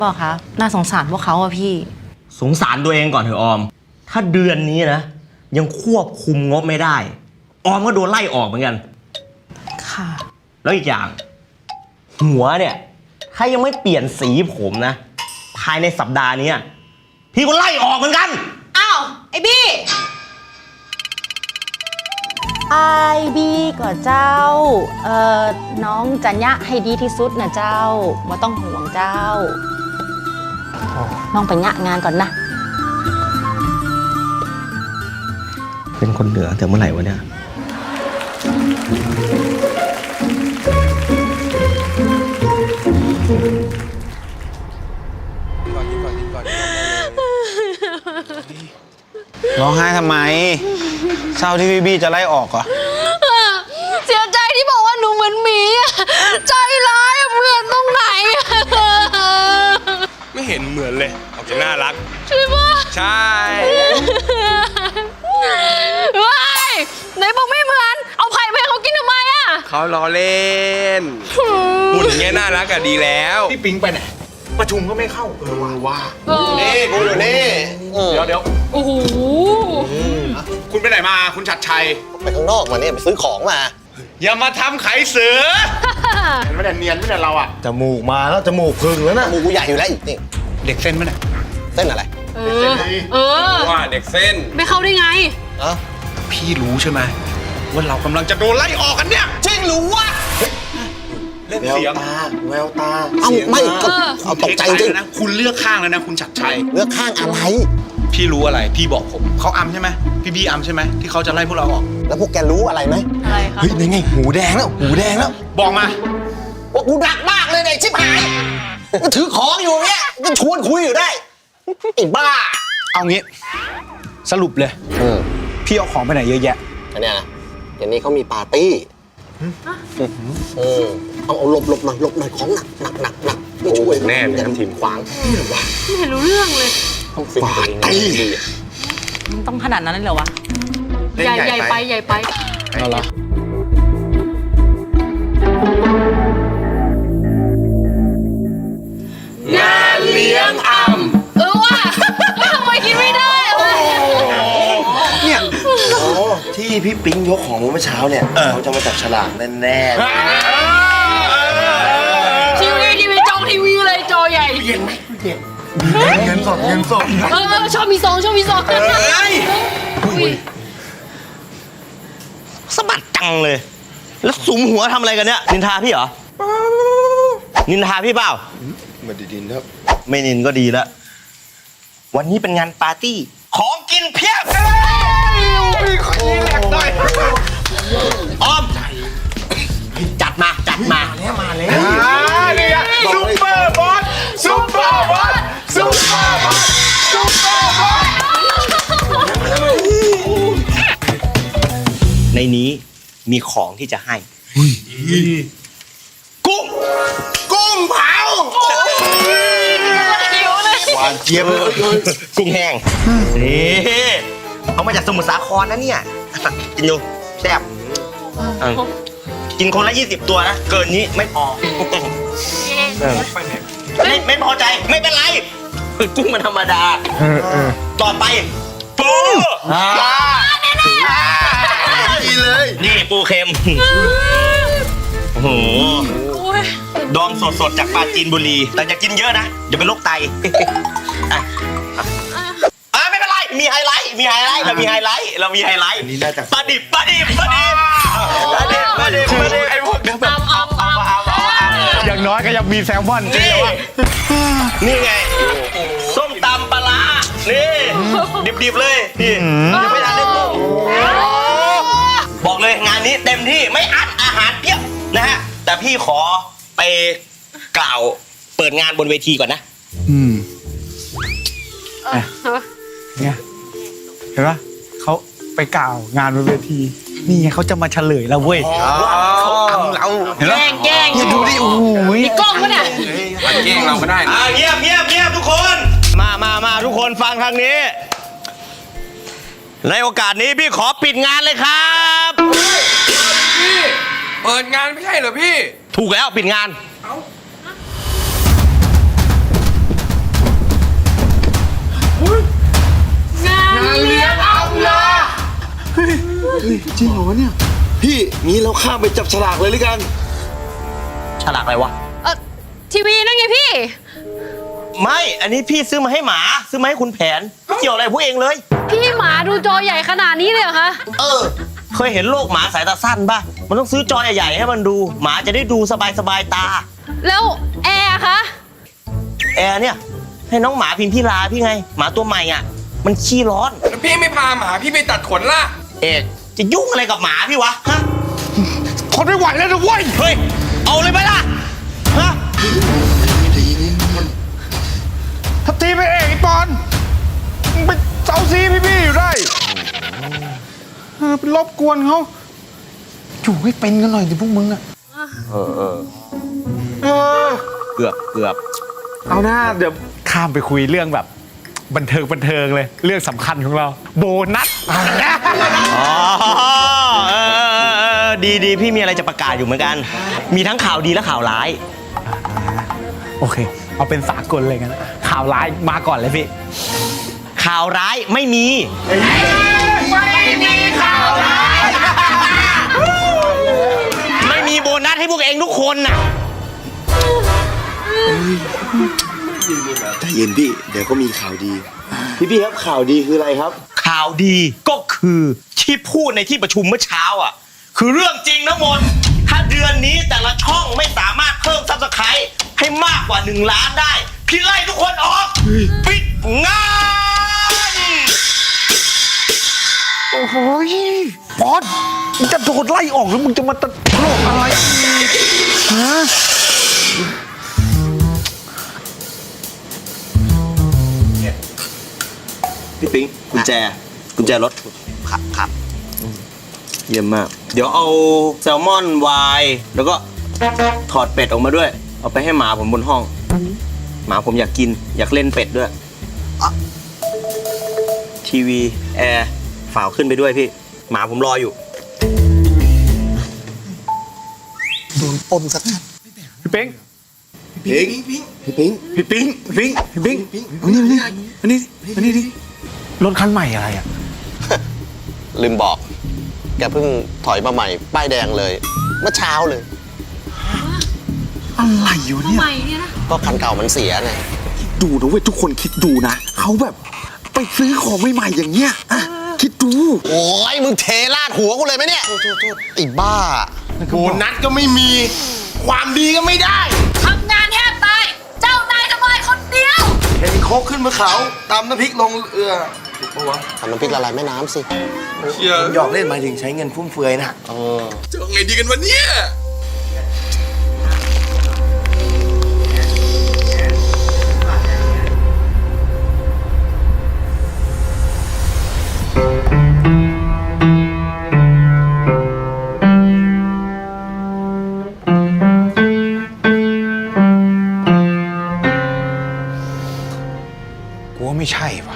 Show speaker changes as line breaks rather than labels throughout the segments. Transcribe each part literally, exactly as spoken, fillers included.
บอกคะน่าสงสารพวกเขาอะพี่
สงสารตัวเองก่อนเถอะออมถ้าเดือนนี้นะยังควบคุมงบไม่ได้ออมก็โดนไล่ออกเหมือนกัน
ค่ะ
แล้วอีกอย่างหัวเนี่ยถ้ายังไม่เปลี่ยนสีผมนะภายในสัปดาห์นี้พี่ก็ไล่ออกเหมือนกัน
อ้าวไอ้บี้ไอบีก็เจ้าเอ่อน้องจะยะให้ดีที่สุดนะเจ้าว่าต้องห่วงเจ้าน้องไปยะงานก่อนนะ
เป็นคนเหนือแต่เมื่อไหร่วะเนี่ย
ร้องไห้ทำไมเศร้าที่พี่บี้จะไล่ออกเหรอ
เสียใจที่บอกว่าหนูเหมือนหมีใจร้ายเหมือนตรงไหน
ไม่เห็นเหมือนเลยออกจะน่ารัก
ใช่ปะ
ใช่
ว้ายไหนบอกไม่เหมือนเอาไผ่ไปเขากินทำไมอ่ะ
เขาล้อเล่นหุ่นอย่างเงี้ยน่ารักอะดีแล้วพี่ปิ๊งไปไหนประชุมก็ไม่เข้าเออว่าว่านี่กูอยู่นี่เดี๋ยวเดี๋ยว
โอ้โห
คุณไปไหนมาคุณชัดชัย
ไปข้างนอกมาเนี่ยไปซื้อของมา
อย่ามาทำไขเสือเห็นไหมเนี่ยเนียนไม่เนี่ยเราอะ
จมูกมาแล้วจมูกพึ่งแล้วนะจมูกกูใหญ่อยู่แล้วอีกนี่
เด็กเส้นไหมเนี่ย
เส้นอะไร
เออเออ
ว่าเด็กเส้น
ไม่เข้าได้ไง
อ่ะ
พี่รู้ใช่ไหมว่าเรากำลังจะโดนไล่ออกกันเนี่ย
จริงหรือวะ
เล่นเสียง
ตาแววตาเอ้าไม่ก็เอาตกใจจริง
นะคุณเลือกข้างแล้วนะคุณชัดชัย
เลือกข้างอะไร
พี่รู้อะไรพี่บอกผมเขาอำใช่ไหมพี่บี้อำใช่ไหมที่เขาจะไล่พวกเราออก
แล้วพวกแกรู้อะไรไหม
อะไรคะ
เฮ้ยนี่ไงหูแดงแล้วหูแดงแล้ว
บอกมา
ว่ากูดักมากเลยเนี่ยชิบหายก็ถือของอยู่เนี่ยก็ชวนคุยอยู่ได้ไอ้บ้า
เอางี้สรุปเลยพี่เอาของไปไหนเยอะแยะ
อันเนี้ยนะอย่างนี้เขามีปาร์ตี้เออเอาเอาหลบหลบหน่อยหลบหน่อยของหนักหนักหนักหนักไม่ช่วย
แน่เลยทีมขวาง
นี่หรอวะ
ไม่เห็นรู้เรื่องเลย
ต้องปาร์ตี้
มันต้องขนาดนั้นเลยเหรอวะ
ใหญ่ใหญ่ไปใหญ่ไป
เอาละงานเลี้ยงอำ
เออว่ะทำไมกินไม่ได้วะ
เนี่ยโอ้ที่พี่ปิ๊งยกของเมื่อเช้าเนี่ยเขาจะมาจับฉลากแน่
ๆทีวีทีวีจอทีวีเลยจอใหญ่
เย็นไหมเย็นเงินสดเงินสด
เออชอบมีซองชอบมีซอง
เฮ้ยสะบัดจังเลยแล้วสุมหัวทำอะไรกันเนี่ยนินทาพี่เหรอนินทาพี่เปล่า
ไม่ดีดินครับ
ไม่นินก็ดีแล้ววันนี้เป็นงานปาร์ตี้ของกินเพียบ
มีคนนี้แหลกหน่อย
ออมจัดมาจัดมา
แล้วมาแล้ว
เนี่ยซุปเปอร์บอสซุปเปอร์บอสซุปเปอร์บอสซุปเปอร์บอส
ในนี้มีของที่จะให้กุ้ง
กุ้งเผา
หวานเจี๊ยบเลย
กุ้งแห้งนี่เอามาจากสมุทรสาครนะเนี่ยกินดูแซ่บกินคนละยี่สิบตัวนะเกินนี้ไม่พอไม่ไม่พอใจไม่เป็นไรกุ้งมันธรรมดาต่อไปปู
ดีเลย
นี่ปูเค็มโอ้โหดองสดๆจากปราจีนบุรีแต่อย่ากินเยอะนะเดี๋ยวเป็นโรคไตอ่าไม่เป็นไรมีไฮไลท์มีไฮไลท์เรามีไฮไลท์เรามีไฮไลท์ปลาดิบปลาดิบปลาดิบปลาดิบปลาดิบปลาดิบไอ้พวกเดี๋ยวแบบ
อย่างน้อยก็ยังมีแซลมอน
นี่นี่ไงส้มตำปลานี่ดิบๆเลยพี่ยังไม่ทันได้ต้มบอกเลยงานนี้เต็มที่ไม่อั้นอาหารเพียบนะฮะแต่พี่ขอไปกล่าวเปิดงานบนเวทีก่อนนะ
อืมเนี่ยเห็นปะเขาไปกล่าวงานบนเวทีนี่ไงเขาจะมาเฉลยแล้วเว้ย
เขาทำเรา
แกล้งแกล้ง
อย่าดูดิโอ้โห
มีกล้องปะเนี่ย
แกล้งเราก็ได้
อ่าเงียบเงียบเงียบทุกคนมามามาทุกคนฟังทางนี้ในโอกาสนี้พี่ขอปิดงานเลยครับ
พี่เปิดงานไม่ใช่เหรอพี่
ถูกแล้วปิดงาน
ฮ้ยจริงเหรอวะเนี่ยพี่งี้เราข้ามไปจับฉลากเลยหรือกัน
ฉลากอะไรวะ
เออทีวีนั่นไงพี่
ไม่ อันนี้พี่ซื้อมาให้หมา ซื้อมาให้คุณแผนไม่เกี่ยวอะไรพวกเองเลย
พี่หมาดูจอใหญ่ขนาดนี้เลยเหรอคะ
เออ เคยเห็นโลกหมาสายตาสั้นป่ะ มันต้องซื้อจอใหญ่ๆให้มันดู หมาจะได้ดูสบายๆตา
แล้วแอร์คะ
แอร์เนี่ย ให้น้องหมาพิมพิลาพี่ไง หมาตัวใหม่อ่ะ มันขี้ร้อน
แล้วพี่ไม่พาหมาพี่ไปตัดขนล่ะ
เอกจะยุ่งอะไรกับหมาพี่วะ ฮะ
ทนไม่ไหวแล้วนะเว้ย
เฮ้ย เอาเลยไหมล่ะ ฮะ
ทับทีไปเองไอ้ปอนมึงไปเซาซีพี่พี่อยู่ได้เออไปรบกวนเขาอยู่ให้เป็นกันหน่อยดิพวกมึงอะเออเออเออ
เกือบเกือบ
เอาหน้าเดี๋ยวข้ามไปคุยเรื่องแบบบันเทิงบันเทิงเลย เรื่องสำคัญของเรา โบนัส
อ๋อเออเออเออดีดีพี่มีอะไรจะประกาศอยู่เหมือนกัน มีทั้งข่าวดีและข่าวร้าย
โอเค เอาเป็นสากลเลยกันนะข่าวร้ายมาก่อนเลยพี่
ข่าวร้ายไม่มี ไม่มีโบนัสให้พวกเองทุกคนน่ะ
ใจเย็นพี่เดี๋ยวก็มีข่าวดี พี่พี่ครับข่าวดีคืออะไรครับ
ข่าวดีก็คือที่พูดในที่ประชุมเมื่อเช้าอ่ะ คือเรื่องจริงทั้งหมด ถ้าเดือนนี้แต่ละช่องไม่สามารถเพิ่มซับสไครต์ให้มากกว่าหนึ่งล้านได้ พี่ไล่ทุกคนออก ปิดงาน
โอ้โหปอนมึงจะโดนไล่ออกแล้วมึงจะมาตลกอะไรอีกฮะ
พี่ปิ๊งกุญแจกุญแจรถครับครับเยี่ยมมาก เดี๋ยวเอาแซลมอนไวน์แล้วก็ถอดเป็ดออกมาด้วย เอาไปให้หมาผมบนห้อง หมาผมอยากกิน อยากเล่นเป็ดด้วยอ่ะทีวีแอร์ฝาวขึ้นไปด้วยพี่ หมาผมรออยู่
โดนปมสัก
พี่เป้ง
พิงพี่พิง
พี่ปิ๊งพี่ปิ๊งพี่ปิ๊งอันนี้อันนี้อันนี้ดิรถคันใหม่อะไรอ่ะ
ลืมบอก แกเพิ่งถอยมาใหม่ ป้ายแดงเลย เมื่อเช้าเลย
อะไรอยู่เนี่ย
ใหม่เนี่ยนะ
ก็คันเก่ามันเสียไง
ดูนะเว้ยทุกคนคิดดูนะเขาแบบไปซื้อของใหม่ๆอย่างเงี้ยอ่ะคิดดู
โอ้ยมึงเทลาดหัวกูเลยไหมเนี่ยไอ้บ้า
โบนัสก็ไม่มี ความดีก็ไม่ได้
ทำงานแทบตาย เจ้านายทำไมคนเดียว
เห็นโคกขึ้นบนเขาตำน้ำพริกลงเรือทำน้ำพริกละลายแม่น้ำสิ
หยอกเล่นหมายถึงใช้เงินฟุ่มเฟือยนะ
จะเอาไงดีกันวันนี้
กูว่าไม่ใช่ว่ะ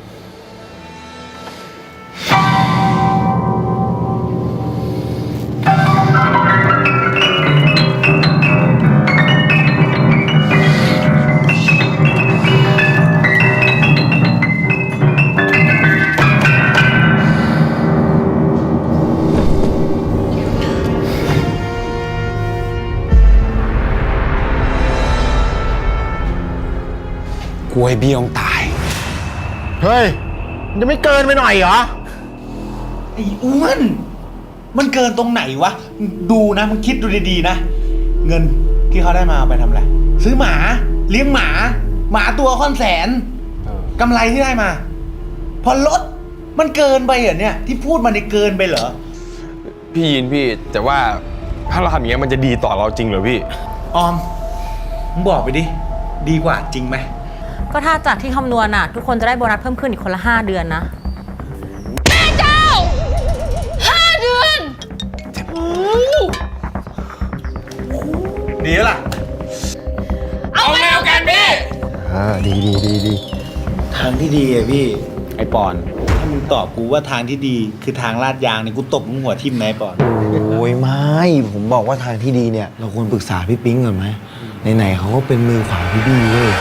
กูให้พี่ต้องตาย
เฮ้ยมันจะไม่เกินไปหน่อยเหรอ
ไอ้อ้วนมันเกินตรงไหนวะ ดูนะมึงคิดดูดีๆนะ เงินที่เขาได้มาเอาไปทำอะไร ซื้อหมา เลี้ยงหมา หมาตัวค่อนแสนกำไรที่ได้มา พอลดมันเกินไปเหรอเนี่ย ที่พูดมาในเกินไปเหรอ
พี่ยินพี่ แต่ว่าถ้าเราทำอย่างเงี้ยมันจะดีต่อเราจริงเหรอพี่
ออมมึงบอกไปดิ ดีกว่าจริงไหม
ก็ถ้าจากที่คำนวณน่ะ ทุกคนจะได้โบนัสเพิ่มขึ้นอีกคนละห้าเดือนนะ
แม่เจ้าห้าเดือน
ดีแล้วล่ะ
เอาไงเอากันพี่
อ่าดีดีดีดี
ทางที่ดีอะพี่ ไอปอน ถ้ามึงตอบกูว่าทางที่ดีคือทางลาดยางเนี่ยกูตบมึงหัวทิ่มนะไอปอน
โอ้ยไม่ ผมบอกว่าทางที่ดีเนี่ย เราควรปรึกษาพี่ปิ๊งก่อนไหมไหนๆเขาก็เป็นมือขวาพี่บี้เว้ย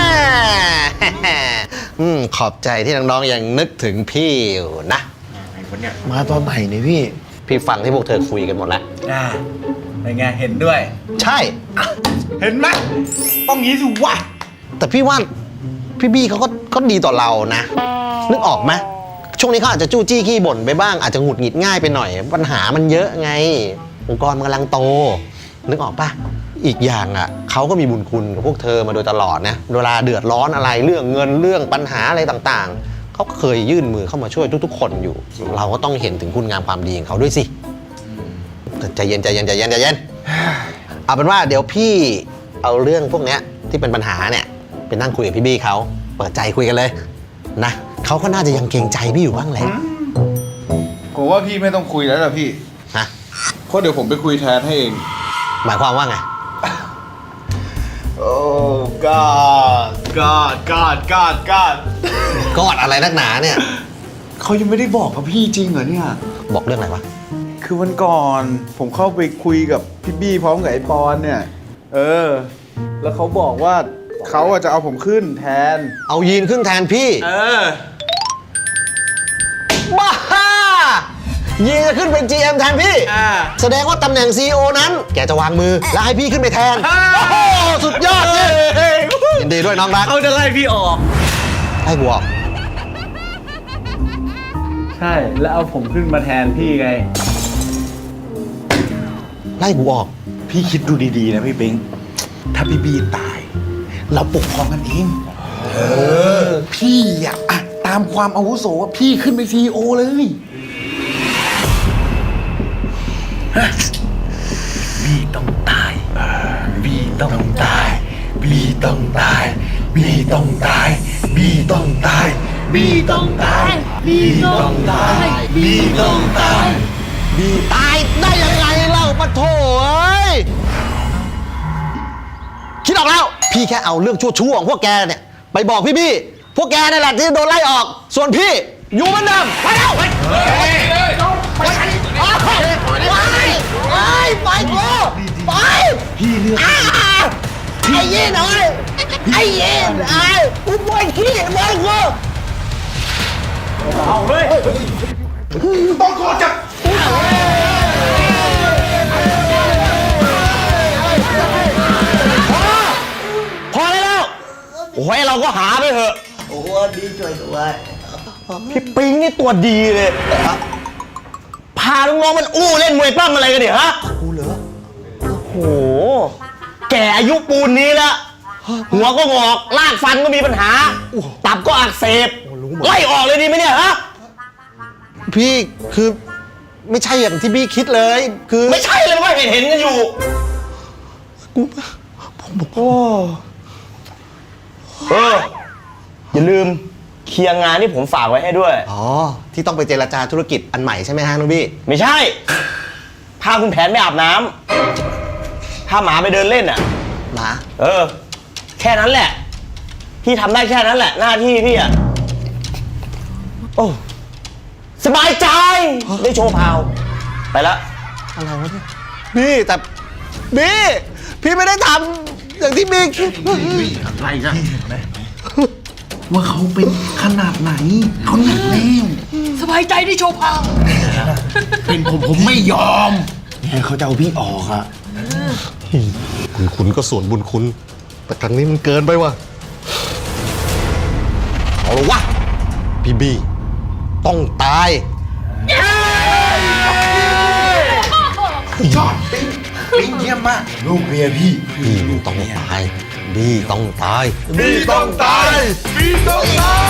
อืมขอบใจที่น้องๆยังนึกถึงพี่อยู่นะ
วะเนี่ย
มาตอนไหนเนี่ยพี่
พี่ฟังที่พวกเธอคุยกันหมดแล้ว
อ่าเป็นไงเห็นด้วย
ใช่
เห็นไหมต้องงี้สิวะ
แต่พี่ว่าพี่บี้เขาก็ก็ดีต่อเรานะ นึกออกไหมช่วงนี้เขาอาจจะจู้จี้ขี้บ่นไปบ้างอาจจะหงุดหงิดง่ายไปหน่อย ปัญหามันเยอะไง องค์กรมันกำลังโต นึกออกปะอีกอย่างอ่ะเขาก็มีบุญคุณกับพวกเธอมาโดยตลอดนะเวลาเดือดร้อนอะไรเรื่องเงินเรื่องปัญหาอะไรต่างๆเขาก็เคยยื่นมือเข้ามาช่วยทุกๆ คนอยู่ เราก็ต้องเห็นถึงคุณงามความดีของเขาด้วยสิแต่ใจเย็นใจเย็นใจเย็นใจเย็นเอาเป็นว่าเดี๋ยวพี่เอาเรื่องพวกเนี้ยที่เป็นปัญหาเนี่ยไปนั่งคุยกับพี่บี้เขาเปิดใจคุยกันเลยนะเขาก็น่าจะยังเกรงใจพี่อยู่บ้างแหละ
ผมว่าพี่ไม่ต้องคุยแล้วล่ะพี่
ฮะ
เพราะเดี๋ยวผมไปคุยแทนให้เอง
หมายความว่าไง
โอ้กอดกอดกอดกอดกอด
กอดอะไรนักหนาเนี่ย
เขายังไม่ได้บอกกับพี่จริงเหรอเนี่ย
บอกเรื่องอะไรวะ
คือวันก่อนผมเข้าไปคุยกับพี่บี้พร้อมกับไอ้ปอนเนี่ย เออ แล้วเขาบอกว่าเขาอะจะเอาผมขึ้นแทน
เอายีนขึ้นแทนพี่
เออ
บ้ายีนจะขึ้นเป็น จี เอ็ม แทนพี่
อ่า
แสดงว่าตำแหน่ง ซี อี โอ นั้น แกจะวางมือ แล้วให้พี่ขึ้นไปแทน โอ้โห สุดยอดเลยยินดีด้วยน้องรัก
เขาจะไล่พี่ออก
ให้กูออก
ใช่แล้วเอาผมขึ้นมาแทนพี่ไง
ไล่กูออก
พี่คิดดูดีๆนะพี่ปิงถ้าพี่บีตาย เราปกครองกันเองเออ พี่อะอะตามความอาวุโสอะพี่ขึ้นไปซีโอเลยฮะบีต้องตายบีต้องตายบีต้องตายบีต้องตายบีต้องตายบีต้องตายบีต้องตายบีต้องตาย
บีตายได้ยังไงเล่าปะโถเอ้ย คิดออกแล้ว พี่แค่เอาเรื่องชั่วๆของพวกแกเนี่ย ไปบอกพี่บี้ พวกแกนั่นแหละที่โดนไล่ออก ส่วนพี่อยู่เหมือนเดิมไปแล้วไปไปไปไปกูไปพี่เลือกไอ้ยีนเอ้ยไอ้ยีนไอ้กูปวดขี้ปวดกู
ต้องโกรธจับ
พอได้แล้ว โอ้ยเราก็หาไปเถอะ
โอ้ดีช่วยด้วย
พี่ปิงนี่ตัวดีเลย พาลูกน้องมันอู้เล่นมวยปั้มอะไรกันเนี่ยฮะกูเหรอโอ้โห แก่อายุปูนนี้แล้ว หัวก็งอกลากฟันก็มีปัญหา ตับก็อักเสบ ไล่ออกเลยดีไหมเนี่ยฮะ พี่คือไม่ใช่อย่างที่พี่คิดเลย คือไม่ใช่เลยว่าเห็นเห็นกันอยู่ กูผมบอกโอ้เอออย่าลืมเคลียร์งานที่ผมฝากไว้ให้ด้วย อ๋อ ที่ต้องไปเจรจาธุรกิจอันใหม่ใช่ไหมฮะน้องบี้ ไม่ใช่ พาคุณแผนไปอาบน้ำพาหมาไปเดินเล่นอ่ะ หมา เออ แค่นั้นแหละ พี่ทำได้แค่นั้นแหละ หน้าที่พี่อ่ะ โอ้สบายใจ ได้โชว์พาว ไปละอะไรวะเนี่ยบี้แต่บี้พี่ไม่ได้ทำอย่างที่บี้คิด
อะไรนะว่าเขาเป็นขนาดไหนเขาหนักแน่ว
สบายใจที่โชว์พาว
เป็นผมผมไม่ยอม
เนี่ยเขาจะเอาพี่ออกอะ
บุญคุณก็ส่วนบุญคุณ แต่ครั้งนี้มันเกินไปว่ะ เอาละวะ พี่บี้ต้องตาย
ยอดปิ๊งปิ๊งเยี่ยมมาก ลูกเมียพี่
บี้ต้องตาย บี้ต้องตาย
บี้ต้องตายบี้ต้องตาย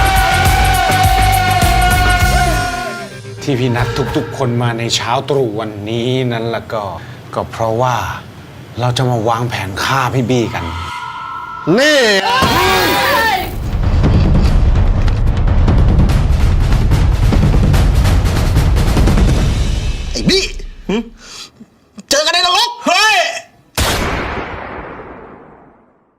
ที่พี่นัดทุกๆ คนมาในเช้าตรู่วันนี้นั้นละก็ ก็เพราะว่าเราจะมาวางแผนฆ่าพี่บี้กัน
นี่